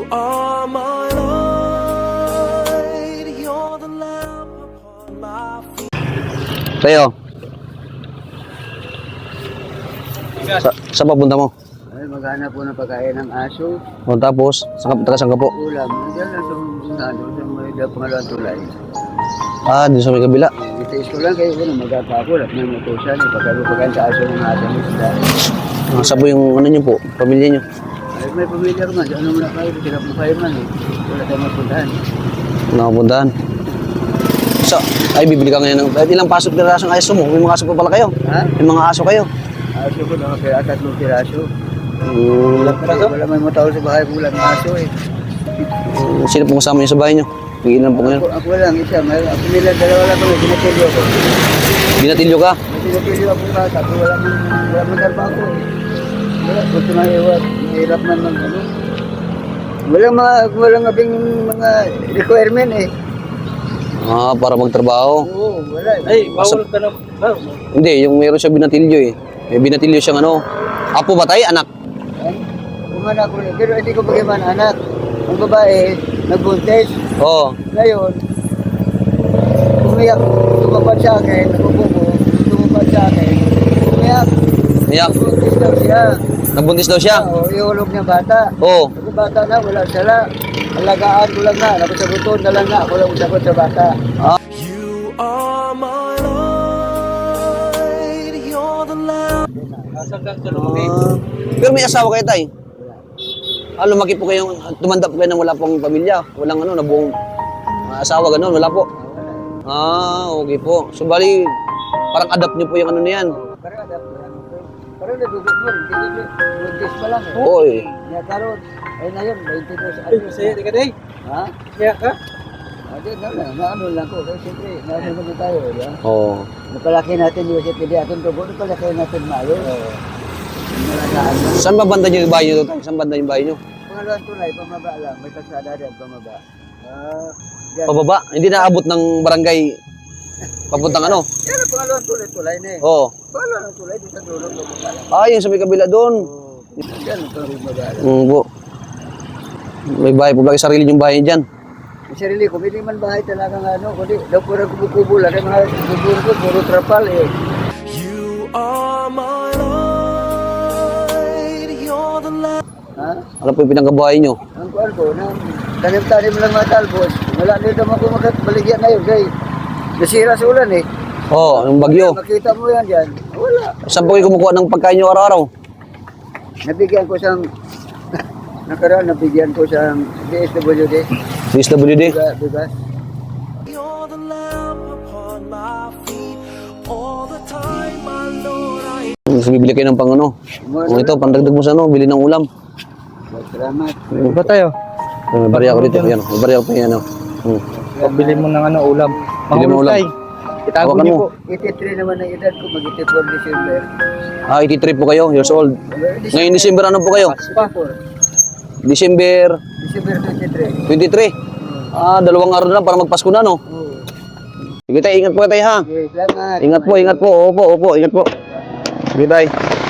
are my light, you're the lamp upon my feet. Sa'yo. Sa papunta mo? Ay, maghanap po ng pagkain ng aso. O tapos, saan ka po? Ulam. Nandiyan lang sa may pangalawang tulay. Ah, dito sa may kabila. Itiis ko lang kayo magapa ako. At may matusan. Pagkain sa aso ng aso ng isda. Saan po yung ano nyo po, pamilya nyo? Ay, may pamilya ko man. Ano muna kayo? Sila po kayo man eh. Wala tayong mapuntahan. Nakapuntahan. Ay, bibili ka ngayon ng ilang pasok na rasong aso mo? May mga aso pa pala kayo? Ha? May mga aso kayo? Aso ko na kaya 3 piraso. Wala may matao sa bahay ko lang aso eh. Sino pong kasama nyo sa bahay nyo? Ilan po ngayon? Ako lang isa. Ako nila dalawa lang kami. Ginatilyo ako. Binatilyo ka? May ginatilyo akong bata. Wala man trabaho ko eh. Wala. Gusto na iwag. Mahirap man mag ano. Walang abing mga requirement eh. Ah, para magtrabaho. Oo, wala. Ay, bawal ka na. Hindi, yung meron siya binatilyo eh. May binatilyo siyang ano. Apo ba tayo? Anak? Umanak ko rin. Pero hindi ko bagaman anak. Ang babae, nagbuntis. Oo. Ngayon, umiyak. Tumapad sa akin. Nakukubo. Tumapad sa akin. Umiyak. Iyak. Nagbuntis daw siya. Nagbuntis daw siya? Oo, ihulog niya bata. Oo. Ako bata na, wala sala. Alagaan ko lang na. Nakusaguton na lang na. Ako lang usagot sa bata. You are my light, you're the lamp. Pero may asawa kayo tay? Lumaki po kayong, tumanda po kayo nang wala pong pamilya. Walang ano, nabuong asawa, gano'n, wala po. Okay po. So bali, parang adapt niyo po yung ano na yan. Parang nadugot mo. Hindi buntis pa lang eh. Oo eh. Kaya karoon. Ay na yun, 22 Ay, masaya di ka day. Ha? Kaya ka? Hindi, naano lang ko. Kasi siyempre, naano na tayo. Diba? Oo. Napalaki natin yung Joseph Pidi atong tubo. Napalaki natin mayo. Malagaan lang. Saan ba banda yung bahay nyo tay? Saan banda yung bahay nyo? Pangalawang tulay, pamaba lang. May kalsada rin, pamaba. Yan. Pababa? Hindi naabot ng barangay papuntang ano? Yan ang pangalawang tulay na eh. Oo. Pangalawang tulay, di sa dulo, pamaba lang. Yung sa may kabila doon. Yan ang pamaba lang. Po. May bahay po ba kayo sarili yung bahay dyan? Yung sarili ko, hindi man bahay talagang ano. Kundi, daw pura kubo-kubo lang. Mga kubo ko, puro trapal eh. You are my light, you're the lamp. Ha? Ano po yung pinanggabahay nyo? Ang kuwan ko, tanim-tanim lang mga talbos. Wala nito ako makabaligyan na yun. Kaya nasira sa ulan eh. Yung bagyo. Makita mo yan dyan. Wala. Saan po kayo kumukuha ng pagkain nyo araw-araw? Nabigyan ko siyang, nakaraan nabigyan ko siyang DSWD. DSWD? Bigas. You're the lamp upon my feet. All the time, my Lord, I So, bibili kayo ng pang ano? Ito, pandagdag mo sa ano, bili ng ulam. Salamat. Ba tayo? May barya ko dito. Yan, may barya ko pa yan. Pagbili mo ng ano, ulam. Bili mo ulam. Tay. Itago Hawakan niyo mo. po. 83 naman ang edad ko, mag-84 December. 83 po kayo, years old. Ngayon December ano po kayo? 84. December December 23. 23. 2 araw na lang para magpasko na, no? Oo. Sige tayo, ingat po tayo ha. Okay, salamat. Ingat po, ingat po. Opo, ingat po. Sige tayo.